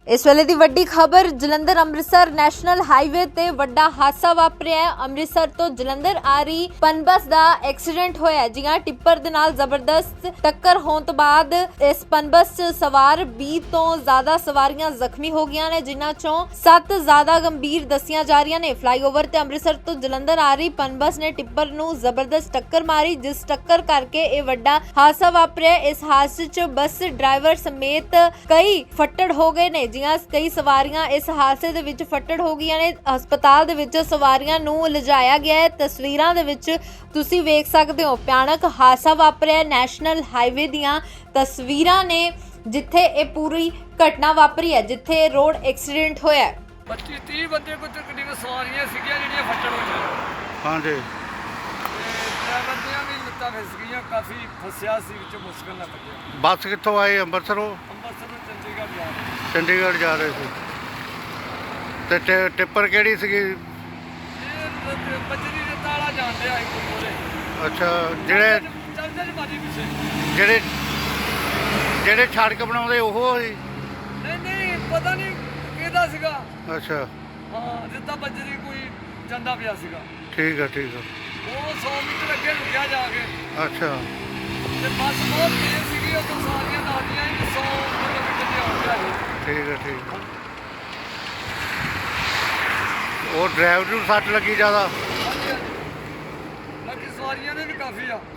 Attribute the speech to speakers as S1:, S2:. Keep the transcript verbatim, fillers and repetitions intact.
S1: इस वेले दी वड्डी खबर जलंधर अमृतसर नैशनल हाईवे ते वड्डा हादसा वापरिया है। अमृतसर तो जलंधर आ रही पनबस दा एक्सीडेंट होया है। जी हां, टिप्पर दे नाल जबरदस्त टक्कर होने तो बाद इस पनबस च सवार बीस तो ज्यादा सवारियां जख्मी हो गईयां ने, जिन्हां चों सत्त ज्यादा गंभीर दसियां जा रही ने। फ्लाईओवर ते अमृतसर तो जलंधर आ रही पनबस ने टिप्पर नूं जबरदस्त टक्कर मारी, जिस टक्कर करके यह वड्डा हादसा वापरिया। इस हादसे च बस ड्राइवर समेत कई फट्टड़ हो गए ने। जियां कई सवारियां इस हादसे दे विच फट्टड़ हो गईयां ने। हस्पताल दे विच सवारियां नूं लिजाया गया है। तस्वीरां दे विच तुसीं वेख सकदे हो भयानक हादसा वापरिया। नैशनल हाईवे दीयां तस्वीरां ने जिथे ये पूरी घटना वापरी है, जिथे रोड एक्सीडेंट होया है।
S2: पच्चीस तीस बंदे को तकरीबन सवारियां सीगियां जिहड़ियां फट्टड़ होईयां।
S3: हाँ जी,
S2: ड्राइवर दियां भी लत्तां फिस गईयां, काफ़ी फसिया सी विच मुश्किल नाल कड्ढिया।
S3: बस कित्थों आए? अंबरसरों
S2: अंबरसर ਤੋਂ ਚੰਡੀਗੜ੍ਹ ਜਾ ਰਹੇ
S3: चंडीगढ़ जा रहे थे। ते टि- टिप्पर केड़ी सीगी?
S2: ਇਹ ਬੱਜਰੀ ਦੇ ਤਾਲਾ ਜਾਂਦੇ ਆਏ ਕੋਈ ਬੋਲੇ
S3: अच्छा, जेड़े
S2: ਚੱਲਦੇ ਨੇ ਬਾਜੀ ਪਿੱਛੇ।
S3: जेड़े जेड़े सड़क बनाउंदे ओहो ही?
S2: ਨਹੀਂ ਨਹੀਂ ਪਤਾ ਨਹੀਂ ਕਿਹਦਾ ਸੀਗਾ।
S3: अच्छा,
S2: ਹਾਂ ਜਿੱਦਾਂ ਬੱਜਰੀ ਕੋਈ ਜਾਂਦਾ ਪਿਆ ਸੀਗਾ।
S3: ठीक है ठीक है।
S2: ਉਹ ਸੌ ਮੀਟਰ ਅੱਗੇ ਰੁਕਿਆ ਜਾ ਕੇ
S3: अच्छा,
S2: ਤੇ ਬੱਸ ਬਹੁਤ ਤੇਜ਼ ਸੀਗੀ, ਉਹ ਤੋਂ ਸਾਰੀਆਂ ਨਾਲੀਆਂ ਹੀ ਸੌ ਕਿਲੋਮੀਟਰ ਦੀ ਆਉਣ ਲੱਗ ਗਈ।
S3: ठीक है ठीक है। और ड्राइवर नूं सट लगी ज़्यादा?
S2: ਹਾਂਜੀ ਹਾਂਜੀ, ਬਾਕੀ ਸਵਾਰੀਆਂ ਨੇ ਵੀ ਕਾਫੀ ਆ।